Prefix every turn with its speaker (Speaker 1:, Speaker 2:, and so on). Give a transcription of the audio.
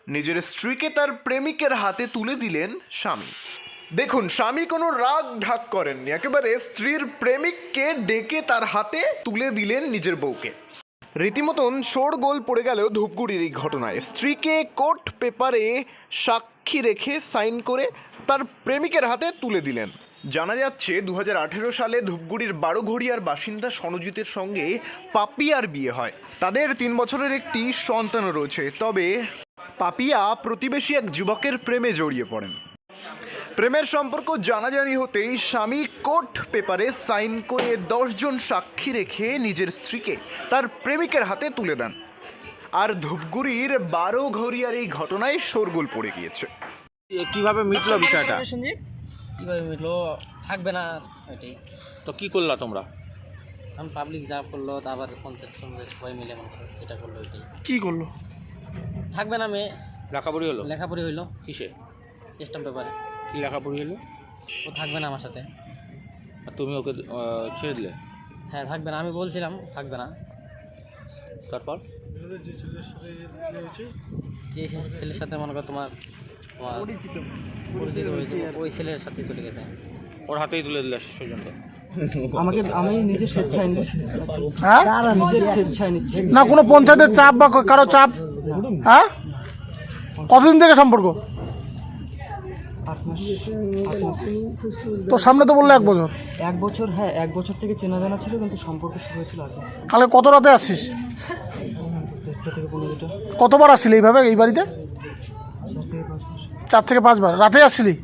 Speaker 1: নিজের স্ত্রীকে তার প্রেমিকের হাতে তুলে দিলেন স্বামী। দেখুন, স্বামী কোনো রাগ ঢাক করেননি, একেবারে স্ত্রীর প্রেমিককে ডেকে তার হাতে তুলে দিলেন নিজের বউকে। রীতিমতন শোরগোল পড়ে গেল ধূপগুড়ির এই ঘটনায়। স্ত্রীকে কোর্ট পেপারে সাক্ষী রেখে সাইন করে তার প্রেমিকের হাতে তুলে দিলেন। জানা যাচ্ছে 2018 সালে ধূপগুড়ির বারোঘড়িয়ার বাসিন্দা সনজিতের সঙ্গে পাপিয়ার বিয়ে হয়। তাদের 3 বছরের একটি সন্তানও রয়েছে। তবে পাপিয়া প্রতিবেশী এক যুবকের প্রেমে জড়িয়ে পড়েন। প্রেমের সম্পর্ক জানাজানি হতেই স্বামী কোর্ট পেপারে সাইন করে 10 জন সাক্ষী রেখে নিজের স্ত্রীকে তার প্রেমিকের হাতে তুলে দেন। আর ধূপগুড়ির বারোঘড়িয়ার এই ঘটনায় শোরগোল পড়ে গিয়েছে।
Speaker 2: কিভাবে মিটলো বিষয়টা?
Speaker 3: কীভাবে মিটলো থাকবে না ওইটাই।
Speaker 2: তো কি করলা তোমরা?
Speaker 3: এখন পাবলিক যা করলো, তারপর পঞ্চায়েত সঙ্গে সবাই মিলে যেটা করলো ওইটাই।
Speaker 4: কি করলো?
Speaker 3: থাকবে না মেয়ে,
Speaker 2: লেখাপড়ি হলো?
Speaker 3: লেখাপড়ি হইলো
Speaker 2: কিসে?
Speaker 3: স্ট্যাম্প পেপারে।
Speaker 2: কি লেখাপড়ি হলো?
Speaker 3: ও থাকবে না আমার সাথে।
Speaker 2: আর তুমি ওকে ছেড়ে দিলে?
Speaker 3: হ্যাঁ থাকবে না, আমি বলছিলাম থাকবে না।
Speaker 2: তারপর
Speaker 3: যে ছেলের সাথে মনে করো তোমার পরিচিত হয়েছে, ওই ছেলের সাথে চলে গেছে।
Speaker 2: ওর হাতেই তুলে দিলে শেষ পর্যন্ত?
Speaker 5: আমি নিজে স্বেচ্ছায় নিচ্ছি।
Speaker 4: হ্যাঁ,
Speaker 5: নিজের স্বেচ্ছায় নিচ্ছি
Speaker 4: না কোনো পঞ্চায়েতের চাপ বা কারো চাপ? হ্যাঁ, কতদিন থেকে সম্পর্ক?
Speaker 5: 8 মাস।
Speaker 4: তো সামনে তো বললে 1 বছর।
Speaker 5: 1 বছর, হ্যাঁ 1 বছর থেকে চেনা জানা ছিল, কিন্তু সম্পর্ক শুরু হয়েছিল 8 মাস।
Speaker 4: কালকে কত রাতে আসছিস?
Speaker 5: 1টা থেকে 15টা।
Speaker 4: কতবার আসছিলি এইভাবে এই বাড়িতে?
Speaker 5: 4 থেকে 5 মাস।
Speaker 4: 4 থেকে 5 বার রাতে আসছিলি?